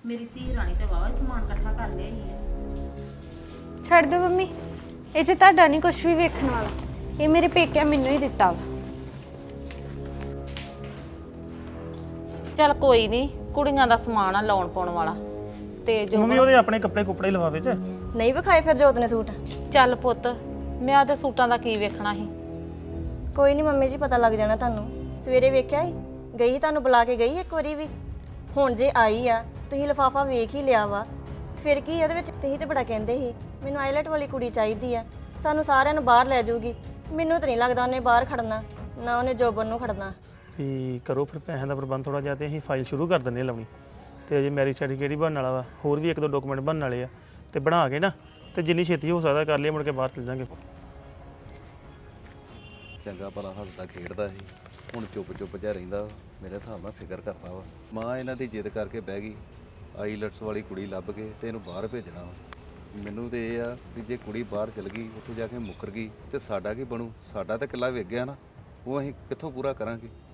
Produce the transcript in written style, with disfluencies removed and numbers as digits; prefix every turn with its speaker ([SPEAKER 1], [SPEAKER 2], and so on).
[SPEAKER 1] ਮੇਰੀ ਧੀ ਰਾਣੀ ਤੇ ਵਾਵਾ ਸਮਾਨ ਇਕੱਠਾ ਕਰ ਲਿਆ ਹੀ ਆ।
[SPEAKER 2] ਛੱਡ ਦਿਓ ਮੰਮੀ, ਇਹ 'ਚ ਤੁਹਾਡਾ ਨਹੀਂ ਕੁਝ ਵੀ ਵੇਖਣ ਵਾਲਾ। ਇਹ ਮੇਰੇ ਪੇਕਿਆਂ ਮੈਨੂੰ ਹੀ ਦਿੱਤਾ ਵਾ।
[SPEAKER 1] ਚੱਲ ਕੋਈ ਨਹੀਂ, ਕੁੜੀਆਂ ਦਾ ਸਮਾਨ ਆ ਲਾਉਣ ਪਾਉਣ ਵਾਲਾ ਤੇ ਜੋ
[SPEAKER 3] ਮੰਮੀ ਉਹਦੇ ਆਪਣੇ ਕੱਪੜੇ ਕੁਪੜੇ ਲਵਾਵੇ ਚ।
[SPEAKER 4] ਨਹੀਂ ਵਿਖਾਏ ਫਿਰ ਜੋਤ ਨੇ ਸੂਟ?
[SPEAKER 1] ਚੱਲ ਪੁੱਤ, ਮੈਂ ਆਦੇ ਸੂਟਾਂ ਦਾ ਕੀ ਵੇਖਣਾ ਸੀ।
[SPEAKER 4] ਕੋਈ ਨਹੀਂ ਮੰਮੀ ਜੀ, ਪਤਾ ਲੱਗ ਜਾਣਾ ਤੁਹਾਨੂੰ। ਸਵੇਰੇ ਵੇਖਿਆ ਸੀ, ਗਈ ਸੀ ਤੁਹਾਨੂੰ ਬੁਲਾ ਕੇ ਗਈ ਇੱਕ ਵਾਰੀ ਵੀ। ਹੁਣ ਜੇ ਆਈ ਆ, ਤੁਸੀਂ ਲਿਫਾਫਾ ਵੇਖ ਹੀ ਲਿਆ ਵਾ, ਫਿਰ ਕੀ ਉਹਦੇ ਵਿੱਚ? ਤੁਸੀਂ ਤੇ ਬੜਾ ਕਹਿੰਦੇ ਸੀ ਮੈਨੂੰ ਆਈਲੈਟ ਵਾਲੀ ਕੁੜੀ ਚਾਹੀਦੀ ਆ, ਸਾਨੂੰ ਸਾਰਿਆਂ ਨੂੰ ਬਾਹਰ ਲੈ ਜਾਊਗੀ। ਮੈਨੂੰ ਤਾਂ ਨਹੀਂ ਲੱਗਦਾ ਉਹਨੇ ਬਾਹਰ ਖੜਨਾ, ਨਾ ਉਹਨੇ ਜੋਬਨ ਨੂੰ ਖੜਨਾ।
[SPEAKER 3] ਵੀ ਕਰੋ ਫਿਰ ਪੈਸਿਆਂ ਦਾ ਪ੍ਰਬੰਧ ਥੋੜਾ ਜਿਹਾ ਤੇ ਅਸੀਂ ਫਾਈਲ ਸ਼ੁਰੂ ਕਰ ਦਿੰਦੇ ਲਾਉਣੀ। ਤੇ ਅਜੇ ਮੈਰਿਜ ਸਰਟੀਫਿਕੇਟ ਹੀ ਬਣਨ ਵਾਲਾ ਵਾ, ਹੋਰ ਵੀ ਇੱਕ ਦੋ ਡਾਕੂਮੈਂਟ ਬਣਨ ਵਾਲੇ ਆ, ਤੇ ਬਣਾ ਕੇ ਨਾ ਤੇ ਜਿੰਨੀ ਛੇਤੀ ਹੋ ਸਕਦਾ ਕਰ ਲਈਏ, ਮੁੜ ਕੇ ਬਾਹਰ ਚਲ ਜਾਾਂਗੇ।
[SPEAKER 5] ਚੰਗਾ ਭਲਾ ਹੱਸਦਾ ਖੇਡਦਾ ਸੀ, ਹੁਣ ਚੁੱਪ ਜਿਹਾ ਰਹਿੰਦਾ। ਮੇਰੇ ਹਿਸਾਬ ਨਾਲ ਫਿਕਰ ਕਰਦਾ ਵਾ। ਮਾਂ ਇਹਨਾਂ ਦੀ ਜਿੱਦ ਕਰਕੇ ਬਹਿ ਗਈ, ਆਈਲੈਟਸ ਵਾਲੀ ਕੁੜੀ ਲੱਭ ਕੇ ਤੇ ਇਹਨੂੰ ਬਾਹਰ ਭੇਜਣਾ ਵਾ। ਮੈਨੂੰ ਤੇ ਇਹ ਆ ਵੀ ਜੇ ਕੁੜੀ ਬਾਹਰ ਚਲ ਗਈ, ਉੱਥੇ ਜਾ ਕੇ ਮੁੱਕਰ ਗਈ ਤੇ ਸਾਡਾ ਕੀ ਬਣੂ? ਸਾਡਾ ਤਾਂ ਕਿੱਲਾ ਵਿਕ ਗਿਆ ਨਾ, ਉਹ ਅਸੀਂ ਕਿੱਥੋਂ ਪੂਰਾ ਕਰਾਂਗੇ?